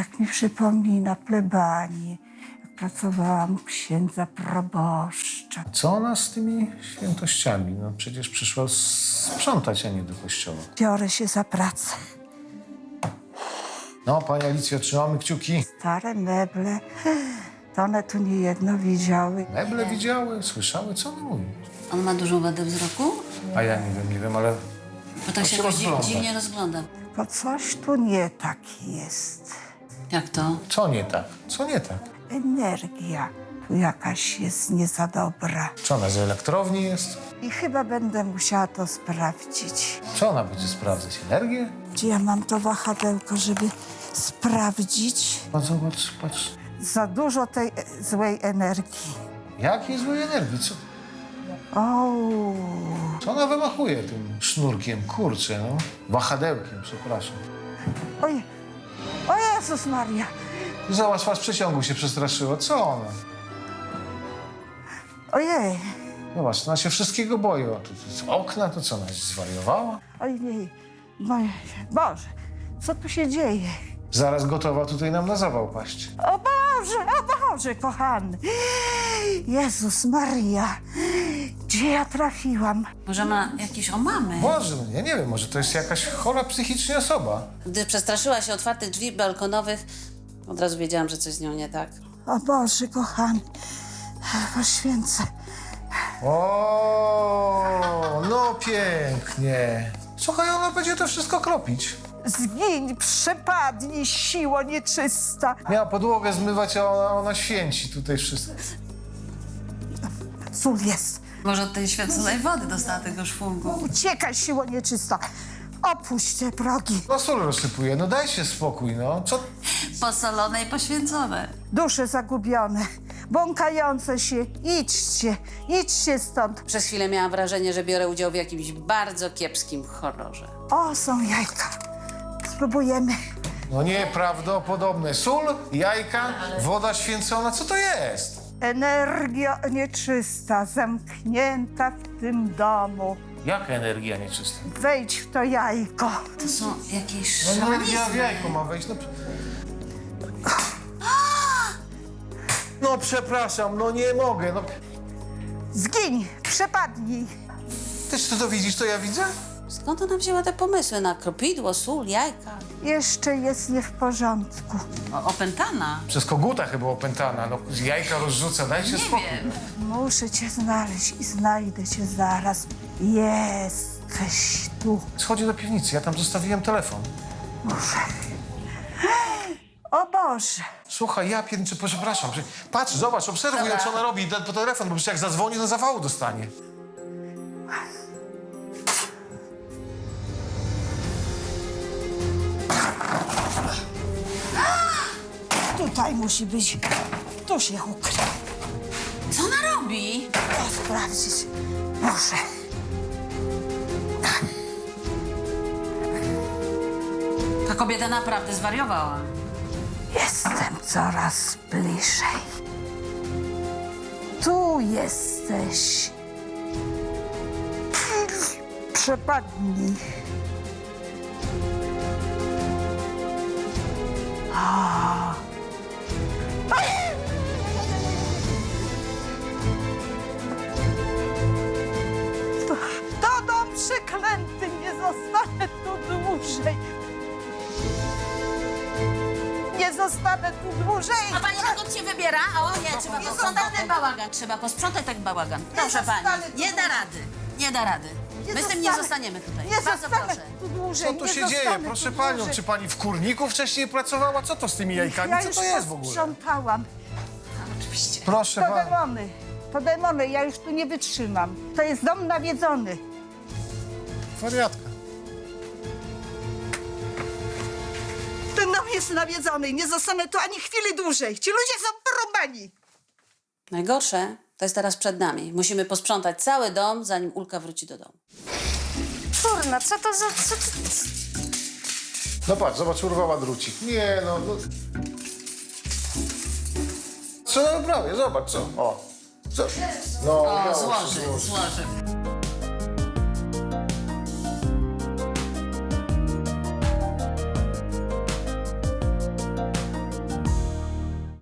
Tak mi przypomina plebanii, jak pracowałam u księdza proboszcza. Co ona z tymi świętościami? No przecież przyszła sprzątać, a nie do kościoła. Biorę się za pracę. No, pani Alicjo, trzymamy kciuki. Stare meble, to one tu niejedno widziały. Meble widziały, słyszały, co ona mówi. On ma dużą wadę wzroku? A ja nie wiem, ale... Bo tak się rozgląda. dziwnie rozgląda. Bo coś tu nie tak jest. Jak to? Co nie tak? Co nie tak? Energia tu jakaś jest nie za dobra. Co ona z elektrowni jest? I chyba będę musiała to sprawdzić. Co ona będzie sprawdzać? Energię? Gdzie ja mam to wahadełko, żeby sprawdzić? No zobacz, patrz. Za dużo tej złej energii. Jakiej złej energii? O, Co ona wymachuje tym sznurkiem? Kurczę, no. Wahadełkiem, przepraszam. oj, o Jezus Maria. Zobacz, was przeciągu się przestraszyło. Co ona? Ojej, Zobacz, ona się wszystkiego boi. O, tu okna, to co, ona zwariowała? ojej, Boże, co tu się dzieje? Zaraz gotowa tutaj nam na zawał paść. O Boże, kochany. Jezus Maria, gdzie ja trafiłam? Może ma jakieś omamy? Boże, no ja nie wiem, może to jest jakaś chora psychicznie osoba. Gdy przestraszyła się otwartych drzwi balkonowych, od razu wiedziałam, że coś z nią nie tak. O Boże, kochany, poświęcę. O, no pięknie. Słuchaj, ona będzie to wszystko kropić. Zgiń, przepadnij, siło nieczysta. Miała podłogę zmywać, a ona święci tutaj wszystko. Sól jest. Może od tej święconej wody dostała tego szwungu. Uciekaj, siło nieczysta. Opuść te progi. No sól rozsypuje, no dajcie spokój, no. Co? Posolone i poświęcone. Dusze zagubione, błąkające się. Idźcie stąd. Przez chwilę miałam wrażenie, że biorę udział w jakimś bardzo kiepskim horrorze. O, są jajka. Spróbujemy. No nieprawdopodobne. Sól, jajka, woda święcona, co to jest? Energia nieczysta, zamknięta w tym domu. Jaka energia nieczysta? Wejdź w to jajko. To są jakieś No energia w szamanizmy. jajko ma wejść, no... No przepraszam, no nie mogę, no... Zgiń, przepadnij. Też ty to widzisz, co ja widzę? Skąd ona wzięła te pomysły na kropidło, sól, jajka? Jeszcze jest nie w porządku. Opętana? Przez koguta chyba opętana, no z jajka rozrzuca, dajcie spokój. Muszę cię znaleźć i znajdę cię zaraz. Jesteś tu. Schodzi do piwnicy, ja tam zostawiłem telefon. Muszę. O Boże. Słuchaj, ja pierniczę, przepraszam. Patrz, zobacz, obserwuj, co ona robi po telefon, bo przecież jak zadzwoni, to zawału dostanie. Tutaj musi być. Tu się ukrył. Co ona robi? To sprawdzić. Muszę. Ta kobieta naprawdę zwariowała. Jestem coraz bliżej. Tu jesteś. Przepadnij. To dom przeklęty, nie zostanę tu dłużej. Nie zostanę tu dłużej. A pani dokąd się wybiera? O nie, trzeba posprzątać ten bałagan. Trzeba posprzątać ten bałagan. Proszę zostanę pani, tu nie da rady. Nie da rady. My z tym nie zostaniemy tutaj. Nie Bardzo zostanę proszę. tu dłużej. Co tu nie się zostanę dzieje? tu Proszę panią, dłużej. czy pani w kurniku wcześniej pracowała? Co to z tymi jajkami? Ja Co już to jest w ogóle? posprzątałam. Oczywiście. Proszę To pani. demony. To demony, ja już tu nie wytrzymam. To jest dom nawiedzony. Wariatka. Ten dom jest nawiedzony i nie zostanę tu ani chwili dłużej. Ci ludzie są porąbani. Najgorsze to jest teraz przed nami. Musimy posprzątać cały dom, zanim Ulka wróci do domu. Kurna, co to za... No patrz, zobacz, urwała drucik. Nie, no... Co prawie, zobacz, co. O. Co? No, O, udało się złoży, złożyć. złoży.